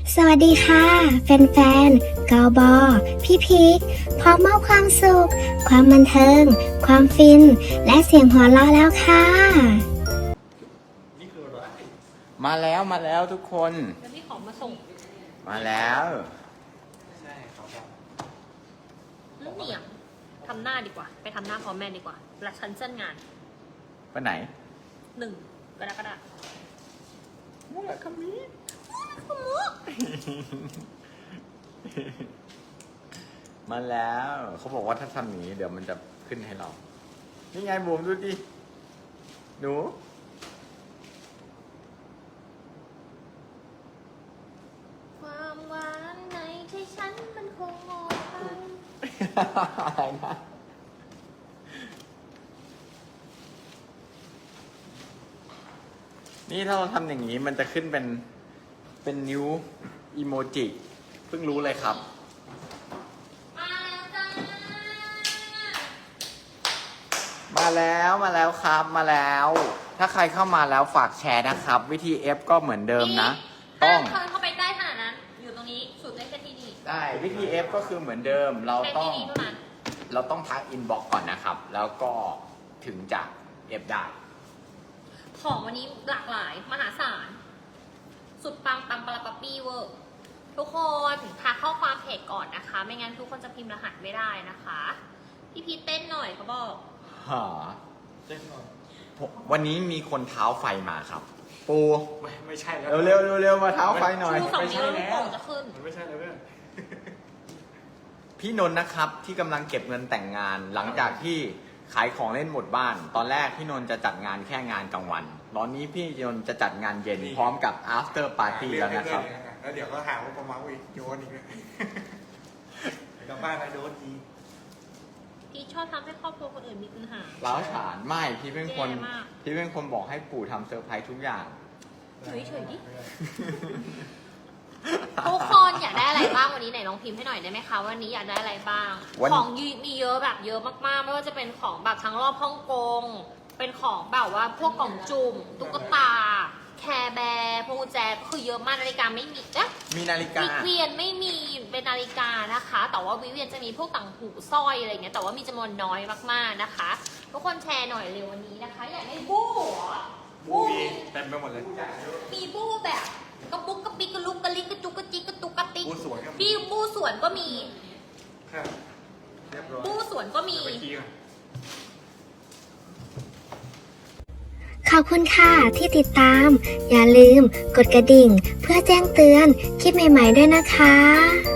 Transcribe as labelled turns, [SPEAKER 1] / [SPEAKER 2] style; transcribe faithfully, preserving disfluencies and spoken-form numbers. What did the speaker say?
[SPEAKER 1] สวัสดีค่ะแฟนๆกอบอพี่พีคพร้อมมอบความสุข ความบันเทิง ความฟิน และเสียงหัวเราะแล้วค่ะ
[SPEAKER 2] นี่คืออะไร
[SPEAKER 3] มาแล้วมาแล้วทุกคน
[SPEAKER 4] แล้วพี่ของมาส่ง
[SPEAKER 3] มาแล้ว
[SPEAKER 2] ใช่ครับ
[SPEAKER 4] นั่นเหนียงทำหน้าดีกว่า ไปทำหน้าพร้อมแม่ดีกว่า และฉันเส้นงาน
[SPEAKER 3] ไปไหน
[SPEAKER 4] หนึ่งกรกฎาคม
[SPEAKER 3] มูลคามิมาแล้วเขาบอกว่าถ้าทำอย่างนี้เดี๋ยวมันจะขึ้นให้เรา นี่ไงบูมดูดิหนู
[SPEAKER 4] ความหวานในที่ฉันมันคงหมดไป
[SPEAKER 3] อะไรนะนี่ถ้าเราทำอย่างนี้มันจะขึ้นเป็นเป็นนิ้วอีโมจิเพิ่งรู้เลยครับ
[SPEAKER 4] มาแล้วจ้า
[SPEAKER 3] มาแล้วมาแล้วครับมาแล้ว ถ้าใครเข้ามาแล้วฝากแชร์นะครับ วิธี F ก็เหมือนเดิมนะ ต้อง
[SPEAKER 4] เทินเข้าไปใกล้ขนาดนั้น อยู่ตรงนี้สุดได้แค่ที่นี่
[SPEAKER 3] ได้วิธี F ก็คือเหมือนเดิม เรา
[SPEAKER 4] แค่
[SPEAKER 3] ต้อ
[SPEAKER 4] ที่
[SPEAKER 3] ง
[SPEAKER 4] นี่เท่านั้น
[SPEAKER 3] เราต้องทักอินบ็อกก่อนนะครับ แล้วก็ถึงจะ F ได้
[SPEAKER 4] ของวันนี้หลากหลายมหาศาล สุดปังปังปะละปะปี้เวอร์ ทุกคนทักข้อความเพจก่อนนะคะ ไม่งั้นทุกคนจะพิมพ์รหัสไม่ได้นะคะ พี่พีทเต้นหน่อยเขาบอก
[SPEAKER 3] หา
[SPEAKER 2] เต้นก่อน
[SPEAKER 3] ผมวันนี้มีคนเท้าไฟมาครับ ปู
[SPEAKER 2] ไม่ไม่ใช่แล้ว
[SPEAKER 3] เร็วเร็วเร็วเร็วมาเท้าไฟหน่อย
[SPEAKER 4] ชูสองนิ้วแล้วลูกโป่งจะขึ้น
[SPEAKER 2] มันไม่ใช่แล้วเพื่อน
[SPEAKER 3] พี่นนท์นะครับที่กำลังเก็บเงินแต่งงาน หลังจากที่ขายของเล่นหมดบ้าน ตอนแรกพี่นนท์จะจัดงานแค่งานกลางวัน ตอนนี้พี่นนท์จะจัดงานเย็นพร้อมกับ after party แล้วนะครับ
[SPEAKER 2] แล้วเดี๋ยวก็หาว่าประมาณอีกโยนอีกเลยกลับบ้านไปโดนที
[SPEAKER 4] พี่ชอบทำให้ครอบครัวคนอื่นมีปัญหา
[SPEAKER 3] ล้าวฉานไม่พี่เป็นคน
[SPEAKER 4] แย่มาก
[SPEAKER 3] พี่เป็นคนบอกให้ปู่ทำเซอร์ไพรส์ทุกอย่าง
[SPEAKER 4] เฉยๆดิ ทุกคนอยากได้อะไรบ้างวันนี้ไหนลองพิมพ์ให้หน่อยได้ไหมคะวันนี้อยากได้อะไรบ้าง
[SPEAKER 3] วัน
[SPEAKER 4] ของมีเยอะแบบเยอะมากๆ ไม่ว่าจะเป็นของแบบทั้งรอบฮ่องกง เป็นของแบบว่าพวกกล่องจุ่มตุ๊กตา แคร์แบร์พวงกุญแจคือเยอะมากนาฬิกาไม่มีเอ๊ะ
[SPEAKER 3] มีนาฬิกา
[SPEAKER 4] วิกเวียนไม่มีเป็นนาฬิกานะคะ แต่ว่าวิกเวียนจะมีพวกต่างหูสร้อยอะไรเงี้ยแต่ว่ามีจำนวนน้อยมากๆนะคะ ทุกคนแชร์หน่อยเร็ววันนี้นะคะ อยากได้บู้เหรอ
[SPEAKER 2] บูมีเต็มไปหมดเลย
[SPEAKER 4] มีบู้แบบกระปุกกระปิกกระลุกกระลิกกระจุกกระจิกกระตุกกระติก
[SPEAKER 2] บูสวยครับ
[SPEAKER 4] พี่บู้สวนก็มี
[SPEAKER 2] ครับเรียบร้อย
[SPEAKER 4] บู้สวนก็มี
[SPEAKER 2] เดี๋ยวไปขี้ก่อน
[SPEAKER 1] ขอบคุณค่ะที่ติดตาม อย่าลืมกดกระดิ่ง เพื่อแจ้งเตือนคลิปใหม่ๆด้วยนะคะ